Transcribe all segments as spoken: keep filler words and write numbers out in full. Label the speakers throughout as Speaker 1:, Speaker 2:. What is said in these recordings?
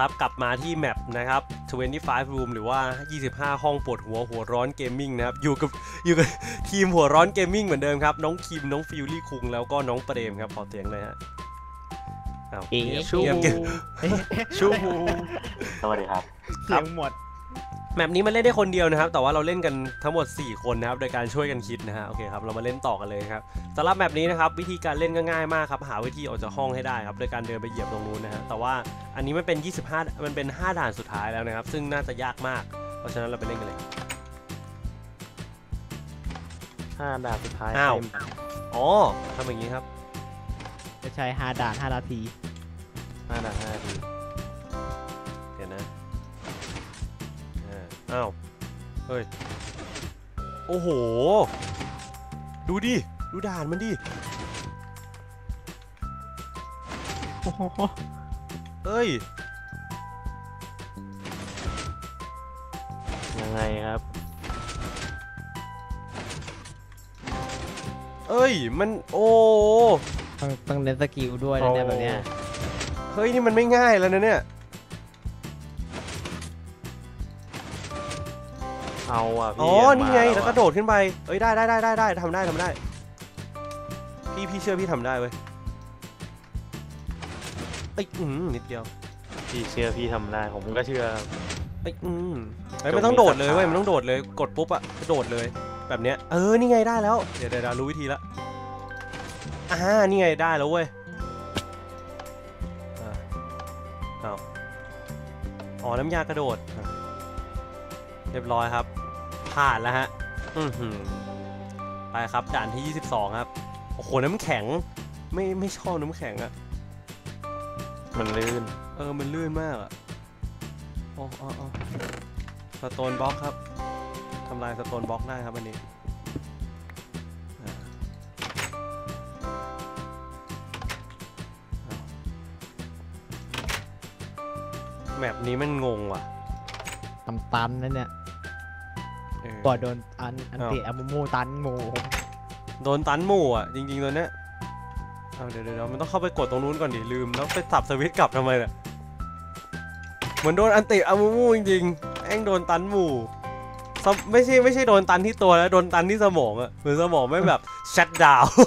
Speaker 1: ครับกลับมาที่แมปนะครับยี่สิบห้า room หรือว่ายี่สิบห้าห้องปวดหัวหัวร้อนเกมมิ่งนะครับอยู่กับอยู่กับทีมหัวร้อนเกมมิ่งเหมือนเดิมครับน้องคิมน้องฟิลลี่คุงแล้วก็น้องเปรมครับขอเสียงเลยฮะอ้าวชูชู
Speaker 2: สวัสดีครับ
Speaker 3: เสียงหมด
Speaker 1: แมปนี้มันเล่นได้คนเดียวนะครับแต่ว่าเราเล่นกันทั้งหมดสี่คนนะครับโดยการช่วยกันคิดนะฮะโอเคครับเรามาเล่นต่อกันเลยครับสำหรับแมปนี้นะครับวิธีการเล่นก็ง่ายมากครับหาวิธีออกจากห้องให้ได้ครับโดยการเดินไปเหยียบตรงนู้นนะฮะแต่ว่าอันนี้มันเป็นยี่สิบห้ามันเป็นห้าด่านสุดท้ายแล้วนะครับซึ่งน่าจะยากมากเพราะฉะนั้นเราไปเล่นกันเลย
Speaker 2: ห้าด่านสุดท้าย
Speaker 1: อ้าวอ๋อทำอย่างนี้ครับ
Speaker 3: จะใช้ห้าด่านห้านาที
Speaker 1: ห้าด่านห้านาทีเดี๋ยวนะอ้าวเฮ้ยโอ้โหดูดิดูด่านมันดิเอ้ย
Speaker 2: ยังไงครับ
Speaker 1: เอ้ยมันโอ้
Speaker 3: ต้องต้องเล่นสกิลด้วยนะเนี่ยแบบเนี้ย
Speaker 1: เฮ้ยนี่มันไม่ง่ายแล้วนะเนี่ย
Speaker 2: เอาอ่ะพี่
Speaker 1: อ๋อนี่ไงแล้วก็โดดขึ้นไปเอ้ยได้ได้ได้ได้ได้ทำได้ทำได้พี่พี่เชื่อพี่ทำได้เว้ยไอ้อืมนิดเดียว
Speaker 2: พี่เชื่อพี่ทำได้ผมก็เชื่อ
Speaker 1: ไอ้อืมไอ้ไม่ต้องโดดเลยเว้ยมันต้องโดดเลยกดปุ๊บอะโดดเลยแบบเนี้ยเออนี่ไงได้แล้วเดี๋ยวเดี๋ยวรู้วิธีละอ่านี่ไงได้แล้วเว้ยอ้าวอ๋อน้ำยากระโดดเรียบร้อยครับผ่านแล้วฮะอือหือไปครับด่านที่ยี่สิบสองครับโอ้โหน้ำแข็งไม่ไม่ชอบน้ำแข็งอะ
Speaker 2: มันลื่น
Speaker 1: เออมันลื่นมากอะโอ้โอ้โอ้สโตนบล็อกครับทำลายสโตนบล็อกได้ครับอันนี้แมปนี้มันงงว่ะ
Speaker 3: ตำตันนั่นเนี่ยก่อนโดนอันอันเตะอมูมูตันหมู
Speaker 1: โดนตันหมูอ่ะจริงๆตัวเนี้ยเอาเดี๋ยวเดี๋ยวมันต้องเข้าไปกดตรงนู้นก่อนดิลืมแล้วไปสับสวิตช์กลับทำไมเนี่ยเหมือนโดนอันเตะอมูมูจริงๆแองโดนตันหมูไม่ใช่ไม่ใช่โดนตันที่ตัวแล้วโดนตันที่สมองอ่ะเหมือนสมองไม่แบบชัตดาวน์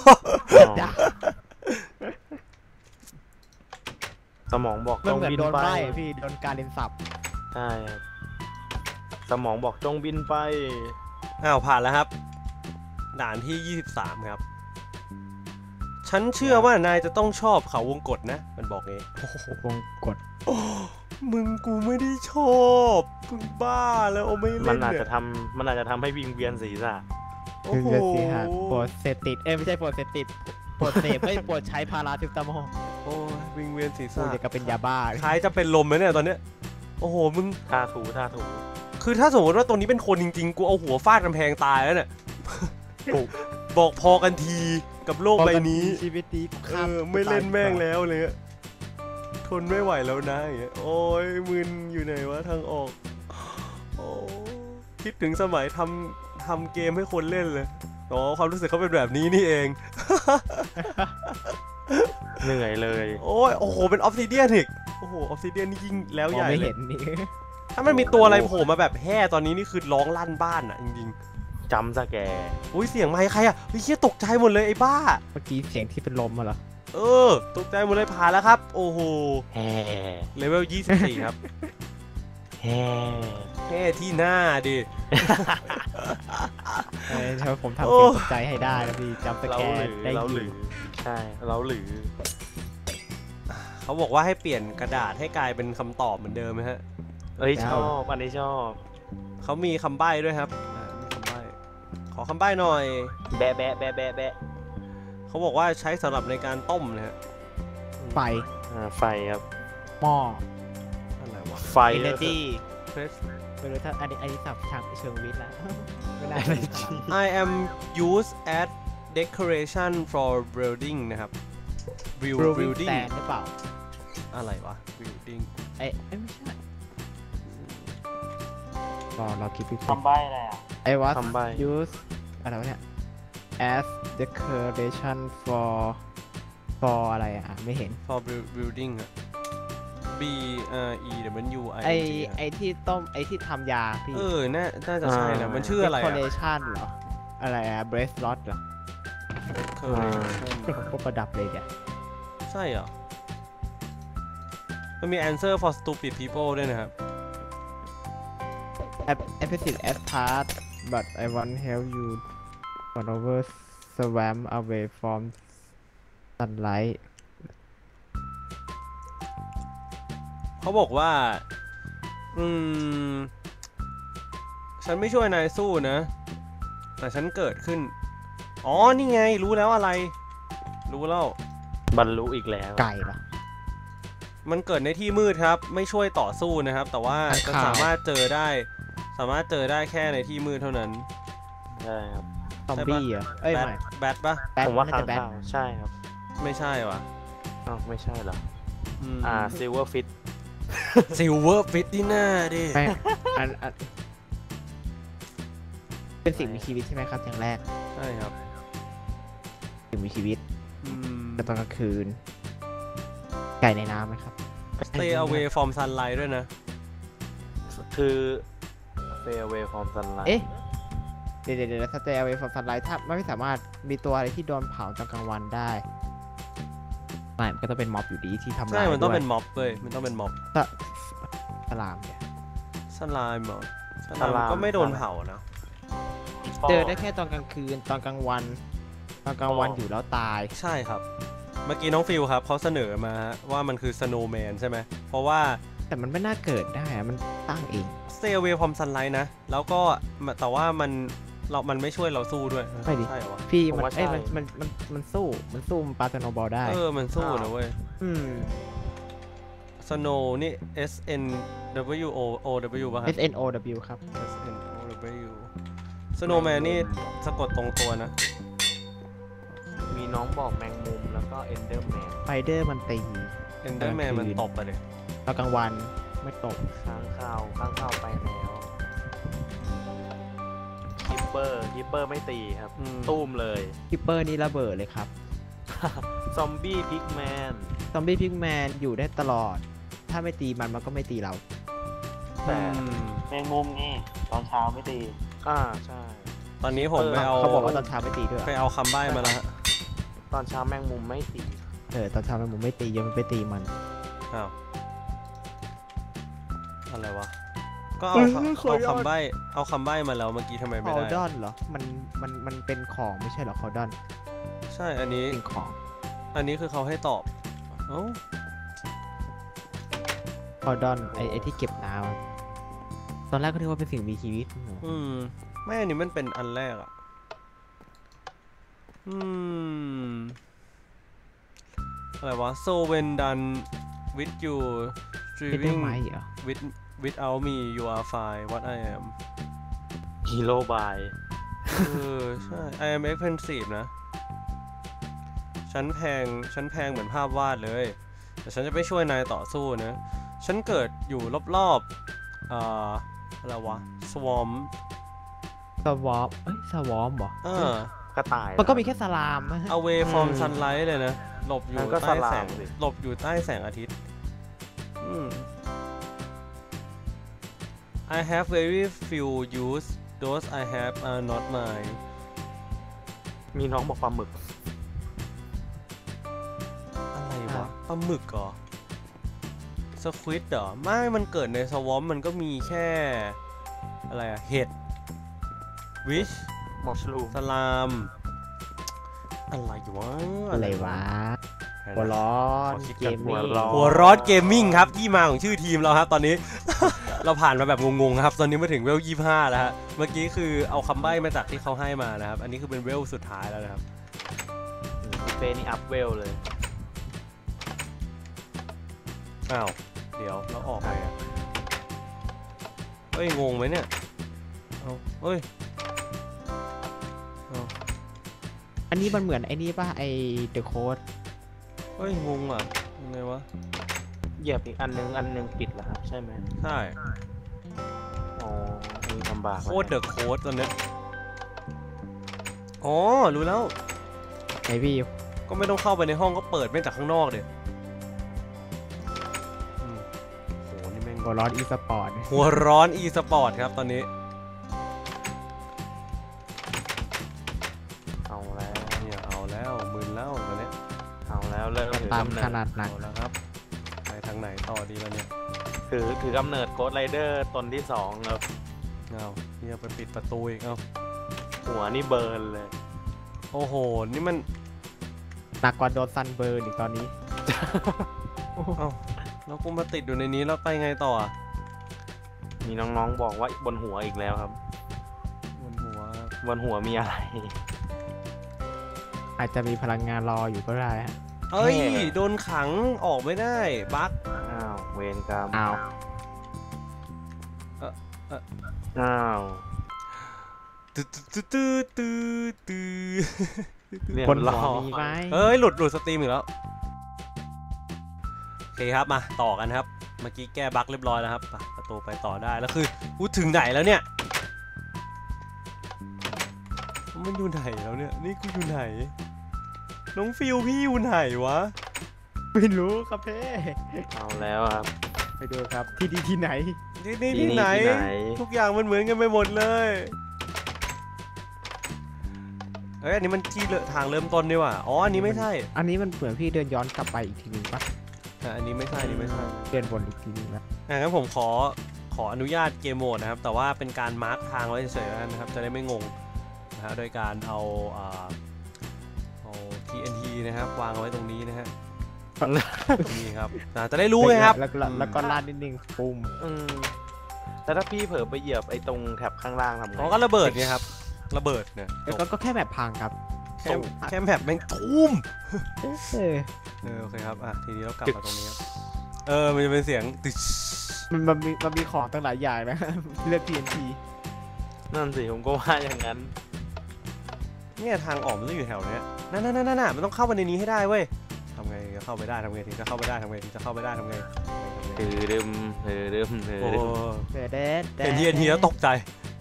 Speaker 2: สมองบอกต้องบินไป
Speaker 3: พี่โดนการเล่นสับ
Speaker 2: ใช่ครับสมองบอกจงบินไป
Speaker 1: อ้าวผ่านแล้วครับด่านที่ยี่สิบสามครับฉันเชื่อว่านายจะต้องชอบเขาวงกตนะมันบอกงี้
Speaker 3: วงกต
Speaker 1: มึงกูไม่ได้ชอบมึงบ้าแล้วโอ้ไม่เล่น
Speaker 2: มันอาจจะทำมันอาจจะทำให้วิงเวียนศีรษะ
Speaker 3: โอ้โหปวดเสพติดเอ้ยไม่ใช่ปวดเสพติดปวดเสพไม่ปวดใช้พาราทิปตามอล
Speaker 1: โอ้วิงเวียนศีรษะ
Speaker 3: จะก็เป็นยาบ้า
Speaker 1: คล้ายจะเป็นลมเลยเนี่ยตอนเนี้ยโอ้โหมึง
Speaker 2: ท่าถูท่าถู
Speaker 1: คือถ้าสมมติว่าตัวนี้เป็นคนจริงๆกูเอาหัวฟาดกำแพงตายแล้วเนี่ยบอกพอกันทีกับโลกใบนี้
Speaker 3: ชีวิตนี้
Speaker 1: เออไม่เล่นแม่งแล้วเลยทนไม่ไหวแล้วนะอย่างเงี้ยโอ้ยมึนอยู่ไหนวะทางออกโอ้คิดถึงสมัยทำทำเกมให้คนเล่นเลยอ๋อความรู้สึกเขาเป็นแบบนี้นี่เอง
Speaker 2: เหนื่อยเลย
Speaker 1: โอ้ยโอ้โหเป็นออฟซิเดียนอีกโอ้โหออฟซิเดียนนี่ยิ่งแล้วใหญ่
Speaker 3: เลย
Speaker 1: ถ้ามันมีตัวอะไรโผล่มาแบบแห่ตอนนี้นี่คือร้องลั่นบ้านอ่ะจริง
Speaker 2: ๆจำซะแก
Speaker 1: อุ้ยเสียงไมค์ใครอ่ะเฮ้ยเชี่ยตกใจหมดเลยไอ้บ้า
Speaker 3: เมื่อกี้เสียงที่เป็นลมมาเหรอ
Speaker 1: เออตกใจหมดเลยผ่านแล้วครับโอ้โห
Speaker 2: แห่
Speaker 1: เลเวลยี่สิบสี่ครับ
Speaker 2: แห่
Speaker 1: แห่ที่หน้าดิ
Speaker 3: เฮ้ยถ้าผมทำเสียงตกใจให้ได้นะพี่จำสแกนได้
Speaker 2: เราหรือใช่เราหรือ
Speaker 1: เขาบอกว่าให้เปลี่ยนกระดาษให้กลายเป็นคำตอบเหมือนเดิมไหมฮะ
Speaker 2: เอ้ยชอบอันนี้ชอบ
Speaker 1: เขามีคำใบ้ด้วยครับมีคำใบ้ขอคำใบ้หน่อย
Speaker 2: แบะแบะแบะแบะแบะ
Speaker 1: เขาบอกว่าใช้สำหรับในการต้มนะฮะ
Speaker 3: ไฟ
Speaker 2: อ่าไฟครับ
Speaker 3: หม้อ
Speaker 1: อะไรวะ
Speaker 2: ไฟ
Speaker 3: energy ไม่รู้ถ้าอันนี้อันนี้สับทางเชิงวิทย์แล้วไม่ได้
Speaker 1: I am used as decoration for building นะครับ
Speaker 3: building แต่หรือเปล่า
Speaker 1: อะไรวะ building
Speaker 3: เอ้ยไม่ใช่รอเราคิดพี่
Speaker 2: ทำใบอะไรอ่ะ
Speaker 3: ไอ้ว่า use อะไรวะเนี่ย as decoration for for อะไรอ่ะไม่เห็น
Speaker 1: for building อ่ะ B R E W I
Speaker 3: ไอ
Speaker 1: N G
Speaker 3: ไอที่ต้มไอที่ทำยาพี่
Speaker 1: เออน่าน่าจะใช่นะมันชื่ออะไร
Speaker 3: คอ
Speaker 1: อะ
Speaker 3: เลชันเหรอ อะไรอะเบรสลอตเหรอ
Speaker 1: เคย
Speaker 3: เป็นของพวกประดับเลยเนี่ย
Speaker 1: ใช่เหรอ มันมี answer for stupid people ด้วยนะครับ
Speaker 3: Opposite as part but I want help you run over swam away from sunlight
Speaker 1: เขาบอกว่า อืม ฉันไม่ช่วยนายสู้นะ แต่ฉันเกิดขึ้น อ๋อ นี่ไง รู้แล้วอะไร รู้แล้ว
Speaker 2: บรรลุอีกแล้ว
Speaker 3: ไก่เหรอ
Speaker 1: มันเกิดในที่มืดครับ ไม่ช่วยต่อสู้นะครับ แต่ว่า
Speaker 3: ข้าง
Speaker 1: จะ
Speaker 3: ข่าว
Speaker 1: สามารถเจอได้ สามารถเจอได้แค่ในที่มืดเท่านั้น
Speaker 2: ใช่ครับ
Speaker 3: ซอมบี้เหรอ เอ้ย
Speaker 1: แบท
Speaker 3: ไม่
Speaker 1: แบทปะ
Speaker 3: แบท
Speaker 2: ผมว่า
Speaker 3: น่
Speaker 2: ค้าง
Speaker 3: จะแบท
Speaker 2: คาวใช่ครับ
Speaker 1: ไม่ใช่วะ
Speaker 2: อ้าวไม่ใช่เหรอ
Speaker 1: อืม
Speaker 2: อ่าซิลเวอร์ฟิต
Speaker 1: ซิลเวอร์ฟิตที่หน้าดิ
Speaker 3: ไม่อันอันเป็นสิ่งมีชีวิตใช่ไหมครับอย่างแรก
Speaker 1: ใช่ครับ
Speaker 3: สิ่งมีชีวิต
Speaker 1: อืม
Speaker 3: แต่ตอนกลางคืน ไก่ในน้ำไหมครับ
Speaker 1: stay away from sunlight ด้วยนะ
Speaker 2: คือ stay away from sunlight
Speaker 3: เอ๊ะ เดี๋ยวเดี๋ยวเดี๋ยวสเตย์เอาไว้ฟอร์ซันไลท์ถ้าไม่สามารถมีตัวอะไรที่โดนเผาตอนกลางวันได้ไม่มันก็ต้องเป็นม็อบอยู่ดีที่ทำลาย
Speaker 1: ใช่ มันต้อง
Speaker 3: ด้วย
Speaker 1: เป็นม็อบเลยมันต้องเป็นม็อบ
Speaker 3: สสลามเนี่ย
Speaker 1: สลามเหรอส
Speaker 2: ส
Speaker 1: ลาม
Speaker 2: ลาม
Speaker 1: ก็ไม่โดนเผานะ
Speaker 3: เจอได้แค่ตอนกลางคืนตอนกลางวัน ตอนกลางวันอยู่แล้วตาย
Speaker 1: ใช่ครับ เมื่อกี้น้องฟิลครับเขาเสนอมาว่ามันคือ snowman ใช่ไหม เพราะว่า
Speaker 3: แต่มันไม่น่าเกิดได้อะมันตั้งเอง
Speaker 1: stay away from sunlight นะ แล้วก็แต่ว่ามันเรามันไม่ช่วยเราสู้ด้วย
Speaker 3: ไม่ดิ
Speaker 1: ใช่เหรอวะ
Speaker 3: พี่
Speaker 2: ผม
Speaker 3: มัน
Speaker 2: ว่า
Speaker 3: เอ้ย
Speaker 2: ใช่
Speaker 3: มันมันมันมันสู้มันสู้มันปาสโนบอลได้
Speaker 1: เออ มันสู้นะเว้ย
Speaker 3: อืม
Speaker 1: snow นี่ S N W O O W ป่ะครับ
Speaker 3: S N O W ครับ
Speaker 1: S N O W snowman นี่สะกดตรงตัวนะ
Speaker 2: มีน้องบอกแมงมุมแล้วก็เอนเดอร์แมน
Speaker 3: ไฟเดอร์มันตี
Speaker 1: enderman มันตบไปเลย
Speaker 3: ตอนกลางวันไม่ตก
Speaker 2: ค้างคาวค้างคาวไปแล้วคิปเปอร์คิปเปอร์ไม่ตีครับ
Speaker 1: อืม
Speaker 2: ตุ้มเลย
Speaker 3: คิปเปอร์นี่ระเบิดเลยครับ
Speaker 2: ซอมบี้พิกแมน
Speaker 3: ซอมบี้พิกแมนอยู่ได้ตลอด ถ้าไม่ตีมันมันก็ไม่ตีเรา
Speaker 2: แต่
Speaker 1: อืม
Speaker 4: แมงมุมนี่ตอนเช้าไม่ตี
Speaker 2: อ่าใช่
Speaker 1: ตอนนี้ผมไปเอา
Speaker 3: เขาบอกว่าตอนเช้าไม่ตีด้วย
Speaker 1: ไปเอาคำใบ้มาแล้วฮะ
Speaker 2: ตอนเช้าแมงมุมไม่ตี
Speaker 3: เออตอนเช้ามันมุมไม่ตีเยอะมันไปตีมัน
Speaker 1: อ้าว อะไรวะ ก็เอา
Speaker 3: เออ
Speaker 1: คำ
Speaker 3: ขอ
Speaker 1: เอา
Speaker 3: ยอด
Speaker 1: คำใบ้ เอาคำใบ้มาแล้วเมื่อกี้ทำไม
Speaker 3: ค
Speaker 1: ไม่
Speaker 3: อ
Speaker 1: ได้
Speaker 3: ดอนเหรอ มันมันมันเป็นของไม่ใช่เหรอคอดอน
Speaker 1: ใช่ อันนี้
Speaker 3: เป็นของ
Speaker 1: อันนี้คือเขาให้ตอบ เอ้า
Speaker 3: คอดอนไอไอที่เก็บน้ำตอนแรกก็นึกว่าเป็นสิ่งมีชีวิต
Speaker 1: อืม ไม่ อันนี้มันเป็นอันแรกอ่ะ อืม อะไรวะ so when done with you
Speaker 3: เห็นได้
Speaker 1: streaming
Speaker 3: ไหมเหรอ
Speaker 1: with without me you are fine what I am
Speaker 2: ฮีโร่บาย
Speaker 1: เออ ใช่ I am expensive นะ ฉันแพง ฉันแพงเหมือนภาพวาดเลย แต่ฉันจะไม่ช่วยนายต่อสู้นะ ฉันเกิดอยู่รอบๆอ่าอะไรวะ swarm
Speaker 3: สวอปเอ้ยสวอมเหรอ
Speaker 1: เออ
Speaker 2: กระต่าย
Speaker 3: มันก็มีแค่สลามนะฮะ
Speaker 1: away from
Speaker 3: อืม
Speaker 1: sunlight เลยนะ หลบอยู่
Speaker 2: งั้นก็
Speaker 1: ใต้แสง
Speaker 2: สลามสิ
Speaker 1: หลบอยู่ใต้แสงอาทิตย์ อืม I have very few use those I have are not mine
Speaker 2: มีน้องบอกปลาหมึก
Speaker 1: อะไรวะปลาหมึกเหรอสควิดเหรอ ไม่ มันเกิดในสวอมมันก็มีแค่ อะไรอะเห็ดวิช
Speaker 2: มอชลูม
Speaker 1: สลาม อะไรวะ
Speaker 3: อะไรวะหัวร้อน
Speaker 1: ขอคิด
Speaker 3: เก
Speaker 1: ก่อน
Speaker 3: ม
Speaker 2: หั
Speaker 3: มิ่
Speaker 2: ว
Speaker 3: ง
Speaker 2: ร้อน
Speaker 1: หัวร้อนเกมมิ่งครับ ที่มาของชื่อทีมเราครับ ตอนนี้ เราผ่านมาแบบงงๆครับ ตอนนี้มาถึงเวลยี่สิบห้าแล้วฮะเมื่อกี้คือเอาคำใบ้มาจากที่เขาให้มานะครับ อันนี้คือเป็นเวลสุดท้ายแล้วนะครับ
Speaker 2: เฟนี่อัพเวลเลย
Speaker 1: อ้าว เดี๋ยวเราออกไปอ่ะเฮ้ย งงไหมเนี่ย เอาเฮ้ยเอา
Speaker 3: อันนี้มันเหมือนไอ้นี่ป่ะไอเดอะโค้ด
Speaker 1: เฮ้ย งงอ่ะยังไงวะ
Speaker 2: เหยียบอีกอันนึงอันนึงปิดแล้วครับใช่ไหม
Speaker 1: ใช่
Speaker 2: อ๋ออันนี้ลำบาก
Speaker 1: โคตรเดอะโค้ดตอนเนี้ยอ๋อ รู้แล้ว
Speaker 3: ไอพี่
Speaker 1: ก็ไม่ต้องเข้าไปในห้องก็เปิดไม่จากข้างนอกเดี๋ย
Speaker 3: หัวร้อนอีสปอร์ต
Speaker 1: หัวร้อนอีสปอร์ตครับตอนนี้
Speaker 2: เอาแล้ว
Speaker 1: เนี่ยเอาแล้วมึนแล้วตอนนี้
Speaker 2: เอาแล้วเริ่มถือ
Speaker 3: ตาม
Speaker 2: กำเนิ
Speaker 3: ข
Speaker 2: ด
Speaker 3: นาดหนัก
Speaker 1: เอาแล้วครับไปทางไหนต่อดีแล้วเนี่ย
Speaker 2: ถือถือกำเนิดโกดไรเดอร์ตนที่สองครับ
Speaker 1: เอาเนี่ยไปปิดประตูอีกเอา
Speaker 2: หัวนี่เบิร์นเลย
Speaker 1: โอ้โหนี่มัน
Speaker 3: หนักกว่าโดนซันเบิร์นอีกตอนนี้
Speaker 1: เอาแล้วกูมาติดอยู่ในนี้แล้วไปไงต่ออะ
Speaker 2: มีน้องๆบอกว่าบนหัวอีกแล้วครับ
Speaker 1: บนหัว
Speaker 2: บนหัวมีอะไร
Speaker 3: อาจจะมีพลังงานรออยู่ก็ได้ฮะ
Speaker 1: เอ้ย
Speaker 2: แม่
Speaker 1: โดนขังออกไม่ได้บั๊ก
Speaker 2: อ้าวเวรกรรม
Speaker 3: อ้าว
Speaker 2: อ้าว
Speaker 1: ตื้อตื้อตื้อตื้อตื้อ
Speaker 2: เรีย
Speaker 3: บน
Speaker 2: ร้
Speaker 3: หัว
Speaker 2: อย
Speaker 3: มีไหม
Speaker 1: เอ้ยหลุดหลุดสตรีมอีกแล้วโอเคครับมาต่อกันครับเมื่อกี้แก้บั๊กเรียบร้อยแล้วครับไปประตูไปต่อได้แล้วคือกูถึงไหนแล้วเนี่ยมันอยู่ไหนแล้วเนี่ยนี่กูอยู่ไหนน้องฟิวพี่อยู่ไหนวะ
Speaker 3: ไม่รู้ครับเพ่
Speaker 2: เอาแล้วครับ
Speaker 3: ไปดูครับที่ดีที่ไหน
Speaker 1: ที่นี่
Speaker 2: ที่
Speaker 1: ที่
Speaker 2: นี่
Speaker 1: ไหน
Speaker 2: ที่ไหน
Speaker 1: ทุกอย่างมันเหมือนกันไปหมดเลยเอ้ยอันนี้มันที่เริ่มทางเริ่มต้นนี่หว่าอ๋ออันนี้ไม่ใช่
Speaker 3: อันนี้มันเหมือนพี่เดินย้อนกลับไปอีกทีนึงปะ
Speaker 1: อ่ะอันนี้ไม่ใช่อันนี้ไม่ใช่
Speaker 3: เดินวนอีกทีนึงนะ
Speaker 1: อ่ะงั้นผมขอขออนุญาตเกมโหมดนะครับ แต่ว่าเป็นการมาร์คทางไว้เฉยๆแล้วกันนะครับ จะได้ไม่งงนะฮะโดยการเอาอ่าเอา ที เอ็น ที นะครับวางเอาไว้ตรงนี้นะฮะนี่ครับอ่ะจะได้รู้ไงครับ
Speaker 3: แล้วก็แล้วก็ลาดนิดนึงปุ่ม
Speaker 2: อืมแล้วถ้าพี่เผลอไปเหยียบไอ้ตรงแถบข้างล่างทำไง
Speaker 1: อ๋อก็ระเบิดไงครับระเบิดเนี่ย
Speaker 3: แล้วก็ก็แค่แบบพังครับ
Speaker 1: แค่แค่แบบแม่งทุ่ม
Speaker 3: เออ
Speaker 1: เออโอเคครับอ่ะทีนี้เรากลับมาตรงนี้ครับเออมันจะเป็นเสียงตึ๊ช
Speaker 3: มันมันมีมันมีของตั้งหลายอย่างนะ เลือก ที เอ็น ที
Speaker 2: นั่นสิผมก็ว่าอย่างนั้น
Speaker 1: เนี่ยทางออกมันต้องอยู่แถวเนี้ยนั่นนั่นนั่นน่ะมันต้องเข้าไปในนี้ให้ได้เว้ยทำไงจะเข้าไปได้ทำไงถึงจะเข้าไปได้ทำไงถึงจะเข้าไปได้ทำไงทำไง
Speaker 2: ถือดึมถือดึมถือ
Speaker 1: โอ้
Speaker 2: ดึม
Speaker 3: เดดเดด
Speaker 1: เห็นทีเอ็นทีแล้วตกใจ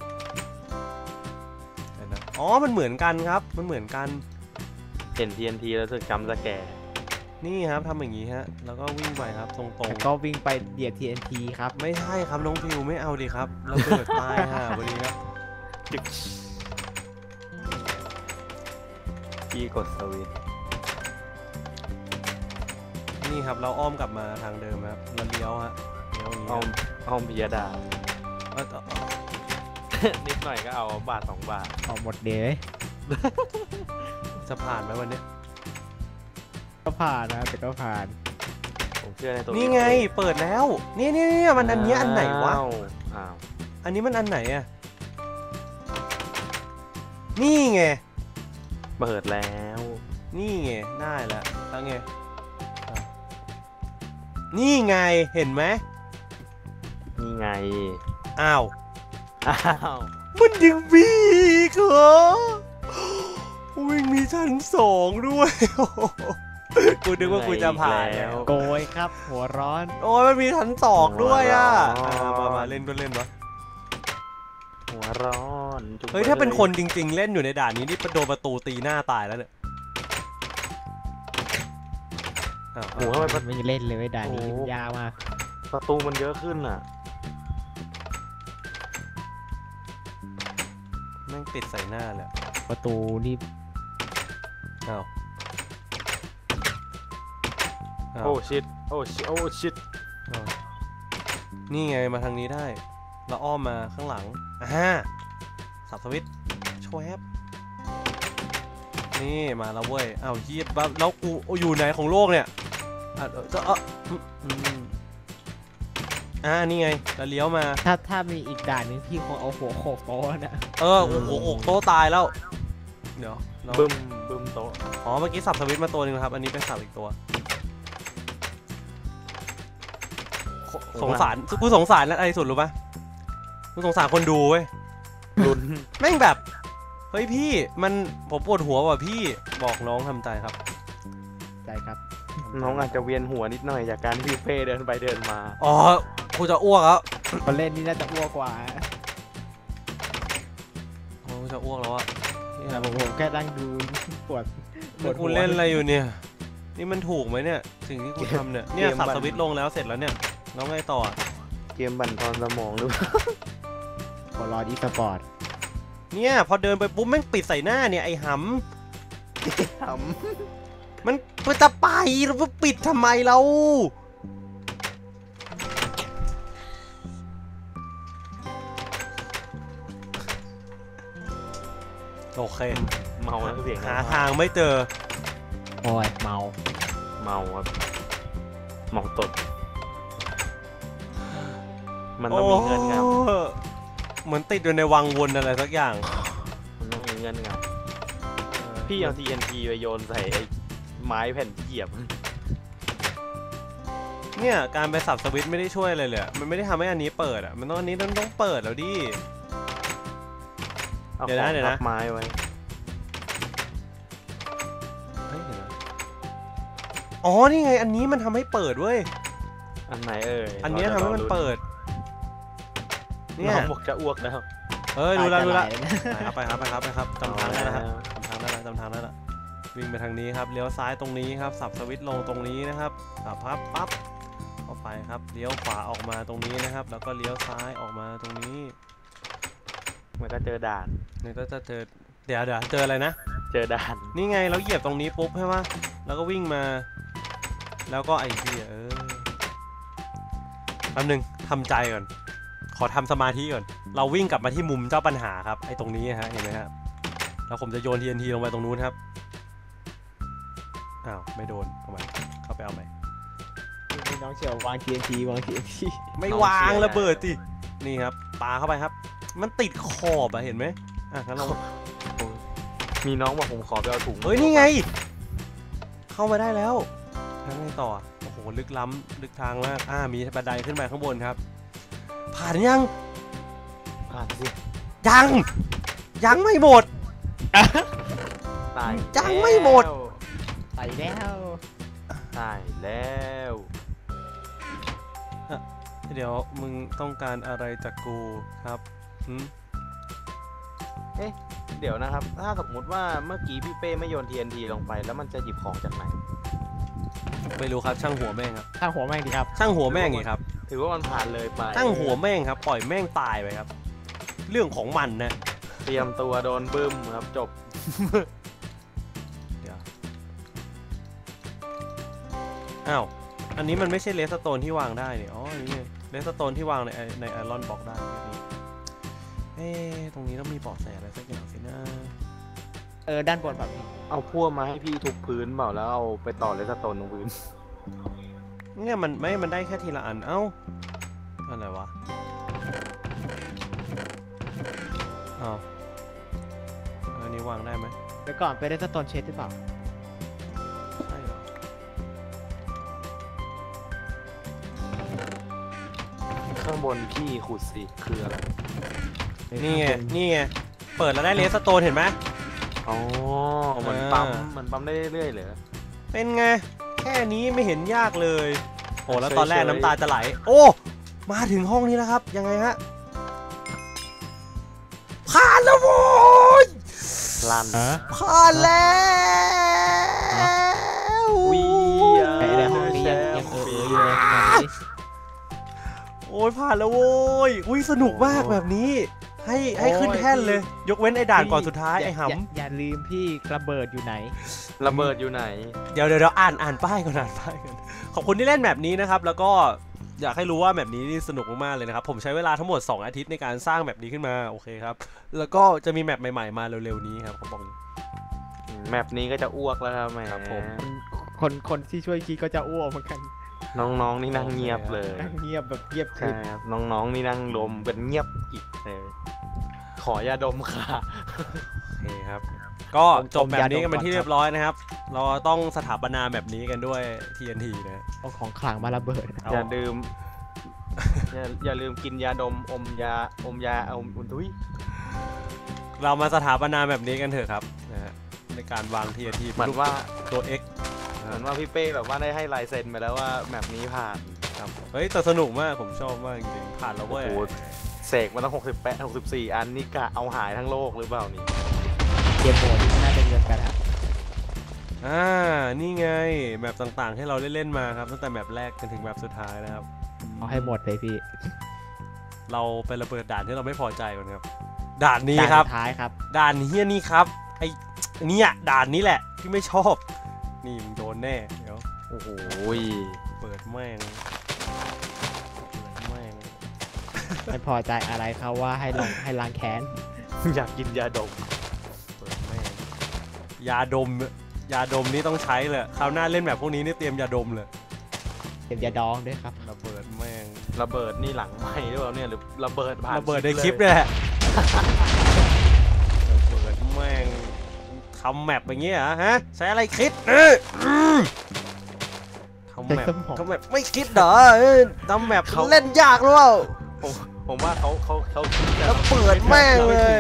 Speaker 1: เดี๋ยวนะอ๋อมันเหมือนกันครับมันเหมือนกัน
Speaker 2: เห็น ที เอ็น ที แล้วรู้สึกจำสแกร์
Speaker 1: นี่ครับทำอย่างนี้ฮะแล้วก็วิ่งไปครับตรง
Speaker 3: แล้วก็วิ่งไปเหยียบ ที เอ็น ที ครับ
Speaker 1: ๆไม่ใช่ครับน้องฟิวไม่เอาดิครับระเบิดตายฮะวันนี้ครับ
Speaker 2: จึ๊กพี่กดสวิตช์
Speaker 1: นี่ครับเราอ้อมกลับมาทางเดิมครับเราเลี้ยวฮะเลี้ยวอย่างนี้
Speaker 2: อ้อมอ้อมพิยดา
Speaker 1: เอ้ยต่อ
Speaker 2: นิดหน่อยก็เอาบาทสองบาท
Speaker 3: ออกหมดเดย์
Speaker 1: จะผ่านไหมวันนี้
Speaker 3: ก็ผ่านนะแต่ก็ผ่าน
Speaker 2: ผมเชื่อในตัว
Speaker 1: นี่ไงเปิดแล้วนี่นี่นี่มันอันเนี้ยอันไหนวะ
Speaker 2: อ้าวอ้าว
Speaker 1: อันนี้มันอันไหนอะนี่ไง
Speaker 2: เปิดแล้ว
Speaker 1: นี่ไงได้แล้วแล้วไงอ่ะนี่ไงเห็นไหม
Speaker 2: นี่ไง
Speaker 1: อ้าว
Speaker 2: อ้าว
Speaker 1: มันยังมีอีกเหรอวิ่งมีชั้นสองด้วย โอ้โหกูนึกว่ากูจะผ่านแล้ว
Speaker 3: โกยครับ หัวร้อน
Speaker 1: โอ้ยมันมีชั้นสองด้วยอ่ะอ่ามามาเล่นก็เล่นวะ
Speaker 2: หัวร้อนจุ๊บ
Speaker 1: เฮ้ยถ้าเป็นคนจริง ๆ เล่นอยู่ในด่านนี้นี่โดนประตูตีหน้าตายแล้วเนี่ยอ้าว
Speaker 2: โอ้โหทำไมประ
Speaker 3: ไม่เล่นเลยด่านนี้
Speaker 2: โอ้
Speaker 3: ยากมาก
Speaker 2: ประตูมันเยอะขึ้นอ่ะ
Speaker 1: แม่งปิดใส่หน้าเลย
Speaker 3: ประตูนี่
Speaker 1: อ้าวอ้าว
Speaker 2: โอ้ชิดโอ้ชิโอ้ชิด
Speaker 1: อ้าวนี่ไงมาทางนี้ได้แล้วอ้อมมาข้างหลังอ่าสับสวิตช์โชว์แอปนี่มาแล้วเว้ยอ้าวเฮียบ้าแล้วกูอยู่ไหนของโลกเนี่ยอ่ะเออจะเอออืมอืมอ่านี่ไงแล้วเลี้ยวมา
Speaker 3: ถ้าถ้ามีอีกด่านหนึงพี่คงเอาหัวโขกโต๊ะนะ
Speaker 1: เออโอ้โหโอ้โหโต๊ะตายแล้ว เดี๋ยวเรา
Speaker 2: บึ้มบึ้มโต๊ะ
Speaker 1: อ๋อเมื่อกี้สับสวิตช์มาตัวหนึงนะครับ อันนี้เป็นสับอีกตัวโคสงสารกูสงสารอะไรสุดรู้ปะกูสงสารคนดูเว้ย
Speaker 2: ลุ้น
Speaker 1: แม่งแบบ เฮ้ยพี่มันผมปวดหัวว่ะพี่บอกน้องทำใจครับ
Speaker 3: ใจครับ
Speaker 2: น้องอาจจะเวียนหัวนิดหน่อยจากการที่เฟ่เดินไปเดินมา
Speaker 1: อ๋อกูจะอ้วกแล้ว
Speaker 3: คนเล่นนี่น่าจะอ้วกกว่า
Speaker 1: โอ้กูจะอ้วกแล้วอะนี่ครับ
Speaker 3: ผมผมแค่นั่งดูปวดปวด
Speaker 1: กู
Speaker 3: หัว
Speaker 1: เล่นอะไรอยู่เนี่ย นี่มันถูกไหมเนี่ยสิ่งที่กูทำเนี่ยเนี่ยสับสวิตช์ลงแล้วเสร็จแล้วเนี่ยแล้วไงต่อ
Speaker 2: เกมบั่นทอนสมองหรือเปล่า
Speaker 3: บอลลอดอีสปอร์ต
Speaker 1: เนี่ยพอเดินไปปุ๊บแม่งปิดใส่หน้าเนี่ยไอ้ห
Speaker 2: ท
Speaker 1: ำมันมันจะไปแล้วมันปิดทำไมเราโอเค
Speaker 2: ำเมาแล้วเสียง
Speaker 1: หาทางไม่เจอ
Speaker 3: โอ้ยเมา
Speaker 2: เมาครับเมาตด มันต้องมีเงื่อนง
Speaker 1: โอ้เหมือนติดอยู่ในวังวนอะไรสักอย่าง
Speaker 2: ำมันต้องมีเงื่อนงำพี่เอา ที เอ็น ที ไปโยนใส่ไอ้ไม้แผ่นที่เหยียบ
Speaker 1: เนี่ยการไปสับสวิตช์ไม่ได้ช่วยอะไรเลยอะมันไม่ได้ทำให้อันนี้เปิดอ่ะมันต้องอันนี้ต้องต้องเปิดแล้วดิ
Speaker 2: เอา
Speaker 1: เดี๋ยว
Speaker 2: ข
Speaker 1: นะ
Speaker 2: อง
Speaker 1: เดี๋ยว
Speaker 2: ทั
Speaker 1: นะ
Speaker 2: บไม้ไว้
Speaker 1: เฮ้ยเดี๋ยวนะอ๋อนี่ไงอันนี้มันทำให้เปิดเว้ย
Speaker 2: อันไหนเอ่ย
Speaker 1: อันเนี้ยทำให้มันเปิด เนี่ย
Speaker 2: น้องบอกจะอ้วกแล้ว
Speaker 1: เอ้ยรู้แล้วรู้แล้ว
Speaker 3: ตายจะไหลเลยนะ
Speaker 1: ไปครับไปครับไปครับไปครับจำทางได้แล้วครับจำทางได้แล้วจำทางได้แล้ววิ่งไปทางนี้ครับเลี้ยวซ้ายตรงนี้ครับสับสวิตช์ลงตรงนี้นะครับสับพับปั๊บเข้าไปครับเลี้ยวขวาออกมาตรงนี้นะครับ แล้วก็เลี้ยวซ้ายออกมาตรงนี้
Speaker 2: มันก็เจอด่าน
Speaker 1: เนี่ยก็จะเจอเดี๋ยวเดี๋ยวเจออะไรนะ
Speaker 2: เจอด่าน
Speaker 1: นี่ไงเราเหยียบตรงนี้ปุ๊บใช่ไหมแล้วก็วิ่งมา แล้วก็ไอ้ที่เออแป๊บนึงทำใจก่อน ขอทำสมาธิก่อน เราวิ่งกลับมาที่มุมเจ้าปัญหาครับไอ้ตรงนี้ฮะเห็นไหมครับแล้วผมจะโยน ที เอ็น ที ลงไปตรงนู้นครับอ้าวไม่โดนเอาใหม่เข้าไปเอาใหม่
Speaker 3: มีน้องเชียววาง ที เอ็น ที วาง ที เอ็น ที
Speaker 1: ไม่วางระเบิดสินี่ครับปาเข้าไปครับ มันติดขอบอะเห็นไหมอ่ะงั้นเรา
Speaker 2: มีน้องบอกผมขอไปเอาถุง
Speaker 1: เฮ้ยนี่ไง เข้ามาได้แล้วทางไงต่อโอ้โหลึกล้ำลึกทางมากอ่ามีบันไดขึ้นไปข้างบนครับ ผ่านยัง
Speaker 2: ผ่านสิ
Speaker 1: ยัง ยังไม่หมด
Speaker 2: ตาย
Speaker 1: ยังไม่หมด
Speaker 3: ไปแล้ว
Speaker 2: ตายแล้ว
Speaker 1: เดี๋ยวมึงต้องการอะไรจากกูครับหืม
Speaker 2: เดี๋ยวนะครับ ถ้าสมมุติว่าเมื่อกี้พี่เป้ไม่โยน ที เอ็น ที ลงไปแล้วมันจะหยิบของจากไหน
Speaker 1: ไม่รู้ครับช่างหัวแม่งครับ
Speaker 3: ข้างหัวแม่งดีครับ
Speaker 1: ช่างหัวแม่งไงครับ
Speaker 2: ถือว่ามันผ่านเลยไป
Speaker 1: ช่างหัวแม่งครับปล่อยแม่งตายไปครับ เรื่องของมันนะ
Speaker 2: เตรียมตัวโดนบึ้มครับจบ
Speaker 1: เดี๋ยวอ้าวอันนี้มันไม่ใช่เลสโตนที่วางได้นี่อ๋ออันนี้เลสโตนที่วางในในไอรอนบล็อกได้นี่เอ๊ะตรงนี้ต้องมีเบาะแสอะไรสักอย่างสินะ
Speaker 3: เออด้านบนแบบนี้
Speaker 2: เอาพวกมาให้พี่ทุบพื้นเปล่าแล้วเอาไปต่อเลสโตนตรงพื้น
Speaker 1: เนี่ยมันไม่มันได้แค่ทีละอันเอ้าอะไรวะอ้าวอันนี้วางได้ไหม
Speaker 3: เดี๋ยวก่อนไปเล่นสโตนเชดหรือเปล่า
Speaker 1: ใช่เหรอ
Speaker 2: ข้างบนพี่ขุดสิคืออะไร
Speaker 1: นี่ไงนี่ไงเปิดแล้วได้เลสโตนเห็นไหม
Speaker 2: อ๋อเหมือน
Speaker 1: อ่า
Speaker 2: ปั๊มเหมือนปั๊มได้เรื่อยๆเลย
Speaker 1: เป็นไงแค่นี้ไม่เห็นยากเลยโอ้แล้ว
Speaker 2: เฉยๆ
Speaker 1: ตอนแรกน้ำตาจะไหลโอ้มาถึงห้องนี้แล้วครับยังไงฮะผ่านแล้วโว้ย
Speaker 2: ลั่น
Speaker 1: ผ่านแล้ว
Speaker 2: วี
Speaker 3: ไอ้ในห้องนี้ยังยังเออเอออยู่เลยแบบนี้
Speaker 1: โอ้ยผ่านแล้วโว้ยอุ้ยสนุกมากแบบนี้ให้ให้ขึ้นแท่นเลย ยกเว้นไอ้ด่านก่อนสุดท้ายไอ้ห
Speaker 3: อย่าอย่าลืมพี่ระเบิดอยู่ไหน
Speaker 2: ระเบิดอยู่ไหน
Speaker 1: ำเดี๋ยวเดี๋ยวเดี๋ยวอ่านอ่านป้ายก่อนอ่านป้ายก่อนขอบคุณที่เล่นแบบนี้นะครับแล้วก็อยากให้รู้ว่าแบบนี้นี่สนุกมากๆเลยนะครับผมใช้เวลาทั้งหมดสองอาทิตย์ในการสร้างแบบนี้ขึ้นมาโอเคครับแล้วก็จะมีแมปใหม่ๆมาเร็วๆนี้ครับผมบอก
Speaker 2: แมปนี้ก็จะอ้วกแล้วครับแหม
Speaker 1: ครับผม
Speaker 3: คนคนที่ช่วยคิดก็จะอ้วกเหมือนกัน
Speaker 2: น้องๆนี่นั่งเงียบเลย
Speaker 3: นั่งเงียบแบบเงียบ
Speaker 2: ใช่
Speaker 3: คือ
Speaker 2: ครับน้องๆนี่นั่งลมเป็นเงียบกิบเลยขอยาดมค่ะ
Speaker 1: โอเคครับก็จบแบบนี้กันเป็นที่เรียบร้อยนะครับ เราต้องสถาปนาแบบนี้กันด้วย ที เอ็น ที นะ
Speaker 3: เอาของขลังมาระเบิด
Speaker 1: เอา
Speaker 2: อย่าลืมอย่าอย่าลืมกินยาดมอมยาอมยาอมอุนทุย
Speaker 1: เรามาสถาปนาแบบนี้กันเถอะครับนะฮะในการวาง ที เอ็น ที
Speaker 2: เหมือนว่า
Speaker 1: ตัว X
Speaker 2: เหมือนว่าพี่เป้แบบว่าได้ให้ลายเซ็นไปแล้วว่าแมปนี้ผ่าน
Speaker 1: ครับเฮ้ยแต่สนุกมากผมชอบมากจริงๆผ่านแล้วเว้ย
Speaker 2: โอ้โห เสกมาตั้งหกสิบแปดหกสิบสี่อันนี่กะเอาหายทั้งโลกหรือเปล่านี่
Speaker 3: เกมโหมดที่น่าจะเงินกันครับ
Speaker 1: อ่านี่ไงแมปต่างๆให้เราเล่นๆมาครับตั้งแต่แมปแรกจนถึงแมปสุดท้ายนะครับ
Speaker 3: เอาให้หมดเลยพี่
Speaker 1: เราไประเบิดด่านที่เราไม่พอใจก่อนครับด่านนี้
Speaker 3: ด่าน
Speaker 1: ครับ
Speaker 3: สุดท้ายครับ
Speaker 1: ด่านเฮี้ยนี่ครับไอ้เนี่ยด่านนี้แหละที่ไม่ชอบนี่มึงโดนแน่เดี๋ยว
Speaker 2: โอ้โห
Speaker 1: เปิดแม่งเปิดแม่ง
Speaker 3: ไม่พอใจอะไรเขาว่าให้ลงให้ล้างแค้น
Speaker 2: อยากกินยาดม
Speaker 1: เปิดแม่งยาดมยาดมนี่ต้องใช้เลยคราวหน้าเล่นแบบพวกนี้นี่เตรียมยาดมเลย
Speaker 3: เก็บยาดองด้วยครับ
Speaker 1: ระเบิดแม่ง
Speaker 2: ระเบิดนี่หลังไม้หรือเปล่าเนี่ยหรือระเบิดผ่าน
Speaker 1: ระเบิดในคลิปเนี่ยแหละระเบิดแม่งทำแมปอย่างเงี้ยเหรอฮะใช้อะไรคิดเอออืมทำแมป
Speaker 3: ใช้สมอง
Speaker 1: ทำแมปไม่คิดเหรอเออทำแมปเล่นยากหรือเปล่า
Speaker 2: ผมผมว่าเขาเขาเขาคิด
Speaker 1: แล้วเปิดแม่งเลย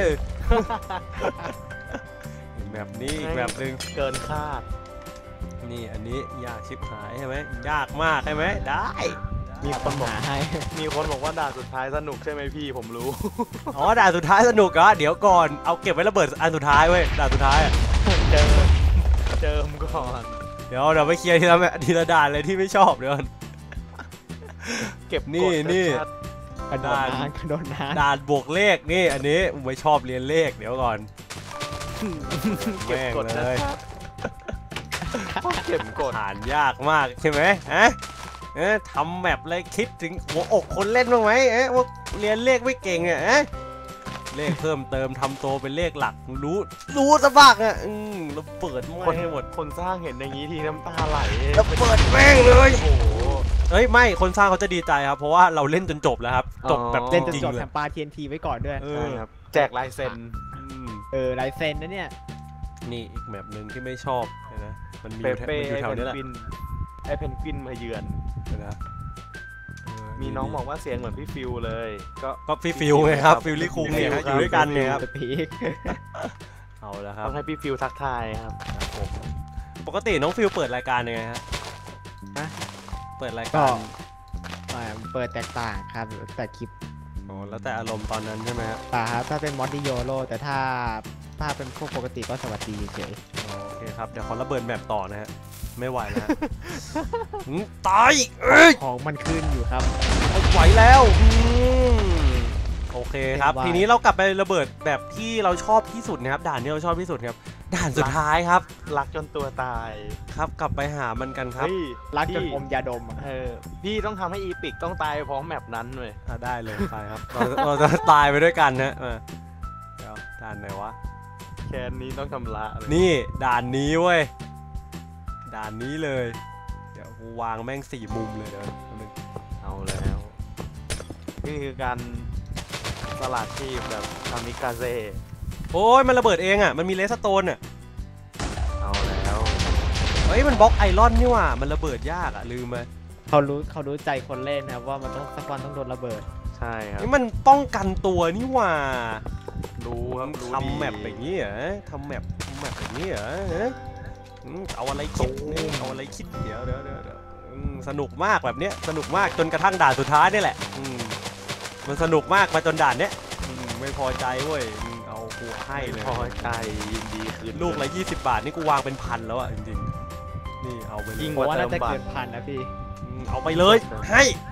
Speaker 1: แบบนี้อีกแบบหนึ่ง
Speaker 2: เกินคาด
Speaker 1: นี่อันนี้ยากชิบหายใช่ไหมยากมากใช่ไหมได้
Speaker 2: มีคนบอก
Speaker 3: หาให้
Speaker 2: มีคนบอกว่าด่านสุดท้ายสนุกใช่ไหมพี่ผมรู้
Speaker 1: อ๋อด่านสุดท้ายสนุกเหรอเดี๋ยวก่อนเอาเก็บไว้ระเบิดอันสุดท้ายเว้ยด่านสุดท้ายอะ
Speaker 2: เจิมเจิมก่อน
Speaker 1: เดี๋ยวเดี๋ยวไปเคลียร์ทีละแมทีละด่านเลยที่ไม่ชอบเดี๋ยวก่อน
Speaker 2: เก็บ
Speaker 1: นี่
Speaker 2: กด
Speaker 1: นี่
Speaker 2: ชัด
Speaker 3: กระโดด
Speaker 1: ด่าน
Speaker 3: น้ำกระโดดน้
Speaker 1: ด่านบวกเลขนี่อันนี้ผมไม่ชอบเรียนเลขเดี๋ยวก่อน
Speaker 2: ๆเก็บ
Speaker 1: แม่ง
Speaker 2: กด
Speaker 1: เล
Speaker 2: ชั
Speaker 1: ย
Speaker 2: ดๆเก็บกด
Speaker 1: ผ่านยากมากใช่ไหมฮะเอ๊ะทำแมปเลยคิดถึงหัวอกคนเล่นบ้างไหมเอ๊ะว่าเรียนเลขไม่เก่งอ่ะเอ๊ะเลขเพิ่มเติมทำโตเป็นเลขหลักรู้รู้สะบักอ่ะอืมแล้วเปิด
Speaker 2: ค
Speaker 1: ไม่
Speaker 2: น
Speaker 1: ให้หมด
Speaker 2: คนสร้างเห็นอย่างนี้ทีน้ำตาไหล
Speaker 1: แล้วเปิดแม่งเลย
Speaker 2: โอ้โห
Speaker 1: เอ้ยไม่คนสร้างเขาจะดีใจครับเพราะว่าเราเล่นจนจบแล้วครับจบแบบ
Speaker 3: ำ
Speaker 1: จ
Speaker 3: เล่นจน
Speaker 1: ริง
Speaker 3: จบ
Speaker 1: ๆเล
Speaker 3: แถ
Speaker 1: ย
Speaker 3: มปลา ที เอ็น ที ไว้ก่อนด้วย
Speaker 1: เอ
Speaker 2: ใช่
Speaker 1: อ
Speaker 2: ครับแจกลายเซ็น
Speaker 1: อืม
Speaker 3: เออลายเซ็นนะเนี่ย
Speaker 1: นี่อีกแมปหนึ่งที่ไม่ชอบเห็นนะมันมีอ
Speaker 2: เป
Speaker 1: ยู่แถว
Speaker 2: เป้
Speaker 1: มันอยู่
Speaker 2: ไอ้
Speaker 1: แถว
Speaker 2: เพน
Speaker 1: นี้แหละ
Speaker 2: กวินไอ้เพนกวินมาเยือน
Speaker 1: เห็นนะเออ
Speaker 2: มีน้องบอกว่าเสียงเหมือนพี่ฟิวเลย ก็
Speaker 1: ก็พี่ฟิวไงครับฟิลลี่คุงเนี่ยฮะอยู่ด้วยกันเนี่ยครับ
Speaker 3: สปีก
Speaker 1: เอาละครั
Speaker 2: ต้
Speaker 1: บ
Speaker 2: องให้พี่ฟิวทักทายครับ
Speaker 1: ครับผมปกติน้องฟิลเปิดรายการยังไงฮะ
Speaker 3: ฮะ
Speaker 1: เปิดราย
Speaker 3: ก็
Speaker 1: การ
Speaker 3: อ่าเปิดแตกต่างครับแต่คลิป
Speaker 1: อ๋อแล้วแต่อารมณ์ตอนนั้นใช่ไหมฮะ
Speaker 3: ป่าครับถ้าเป็นมอดดิโยโรแต่ถ้าถ้าเป็นพวกปกติก็สวัสดีเฉย
Speaker 1: อ๋อโอเคครับเดี๋ยวขอระเบิดแมปต่อนะฮะไม่ไหวแล้วฮะ หืมตายเอ้ย
Speaker 3: ของมันขึ้นอยู่ครับ
Speaker 1: ไม่ไหวแล้วอืมโอเคครับ
Speaker 3: เป็นไว
Speaker 1: ทีนี้เรากลับไประเบิดแบบที่เราชอบที่สุดนะครับด่านที่เราชอบที่สุดครับด่านสุดท้ายครับ
Speaker 2: รักจนตัวตาย
Speaker 1: ครับกลับไปหามันกันครับ
Speaker 2: เฮ้ย
Speaker 3: รักจน
Speaker 2: พี่
Speaker 3: อมยาดมอะ
Speaker 2: เออพี่ต้องทำให้อีปิกต้องตายพร้อมแมปนั้นเลย
Speaker 1: อ่ะได้เลยไปครับเราเราจะตายไปด้วยกันนะมาเดี๋ยวด่านไหนวะ
Speaker 2: แคนนี้ต้องชำระเลย
Speaker 1: นี่ด่านนี้เว้ยด่านนี้เลย เดี๋ยวกูวางแม่งสี่มุมเลยเดี๋ยวแป๊บนึง
Speaker 2: เอาแล้ว นี่คือการสลัดชีพแบบคามิกาเซ่
Speaker 1: โอ้ยมันระเบิดเองอ่ะมันมีเลสโตนอ่ะ
Speaker 2: เอาแล้ว
Speaker 1: เฮ้ยมันบล็อกไอรอนนี่หว่ามันระเบิดยากอ่ะลืมไป
Speaker 3: เขารู้เขารู้ใจคนเล่นนะครับว่ามันต้องสักวันต้องโดนระเบิด
Speaker 2: ใช่ครับ
Speaker 1: นี่มันป้องกันตัวนี่หว่า
Speaker 2: รู้ครับรู้ดี
Speaker 1: ทำแมปอย่างนี้เหรอทำแมปทำแมปอย่างนี้เหรอเอ๊ะอืมเอาอะไรคิดนี่เอาอะไรคิดเดี๋ยวเดี๋ยวเดี๋ยวเดี๋ยวอืมสนุกมากแบบเนี้ยสนุกมากจนกระทั่งด่านสุดท้ายนี่แหละอืมมันสนุกมากมาจนด่านเนี้ยอืมไม่พอใจเว้ยอืมเอากูให้เลย
Speaker 2: พอใจยินดีคืน
Speaker 1: ลูกละยี่สิบบาทนี่กูวางเป็นพันแล้วอ่ะจริงๆนี่เอาไปเลย
Speaker 2: ยิ่ง
Speaker 3: เพ
Speaker 2: กว่า
Speaker 3: ราะว่า
Speaker 2: เติ
Speaker 3: น่าม จะ
Speaker 2: บัต
Speaker 3: เกิ
Speaker 2: ร
Speaker 3: นพันนะพี่
Speaker 1: อืมเอาไปเลยให้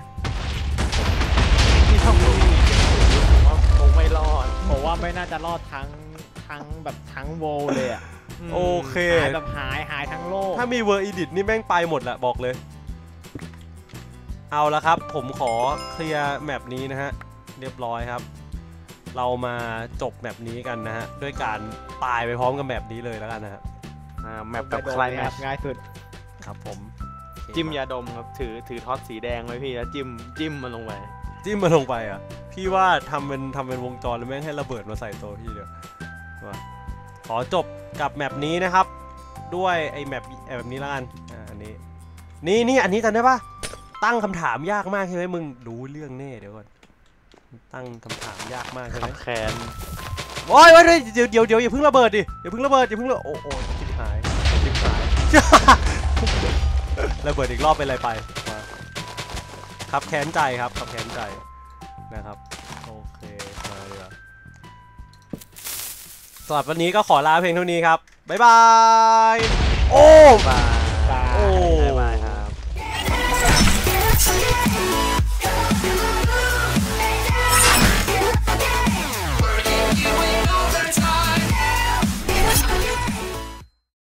Speaker 2: ที่ทำลูกอีกว่าคงไม่รอด
Speaker 3: ผมว่าไม่น่าจะรอดทั้งทั้งแบบทั้งโวลเลยอะ
Speaker 1: โอเค
Speaker 3: หายแบบหายหายทั้งโลก
Speaker 1: ถ้ามีเวอร์อีดิทนี่แม่งไปหมดแหละบอกเลย เอาละครับผมขอเคลียร์แมปนี้นะฮะเรียบร้อยครับ เรามาจบแมปนี้กันนะฮะด้วยการตายไปพร้อมกับแมปนี้เลยแล้วกันนะฮะ
Speaker 2: อ่าแมปกับ
Speaker 3: โดน
Speaker 2: ใคร
Speaker 3: เลย
Speaker 2: แม
Speaker 3: ค
Speaker 2: ป
Speaker 3: รับง่ายสุด
Speaker 1: ครับผมโอเค
Speaker 2: จิ้มยาดมครับถือถือท็อตสีแดงไว้พี่แล้วจิ้มจิ้มมันลงไป
Speaker 1: จิ้มมาลงไปอ่ะพี่ว่าทำเป็นทำเป็นวงจรแล้วแม่งให้ระเบิดมาใส่ตัวพี่เดี๋ยวว่าขอจบกับแมปนี้นะครับ ด้วยไอ้แมปแบบนี้แล้วกันอ่าอันนี้นี่นี่อันนี้จำได้ปะตั้งคำถามยากมากใช่ไหมมึงรู้เรื่องแน่เดี๋ยวก่อนตั้งคำถามยากมากใช่ไห
Speaker 2: ขั
Speaker 1: ม
Speaker 2: บแขน
Speaker 1: โอ้ยโอ้ยเดี๋ยวเดี๋ยวเดี๋ยวอย่าเพิ่งระเบิดดิอย่าเพิ่งระเบิดอย่าเพิ่งระโอ้โอ้ชิบหายชิบหาย ระเบิดอีกรอบเป็นอะไรไปมาครับแค้นใจครับครับแค้นใจนะครับโอเคมาเลยสำหรับวันนี้ก็ขอลาเพียงเท่านี้ครับบ๊ายบาย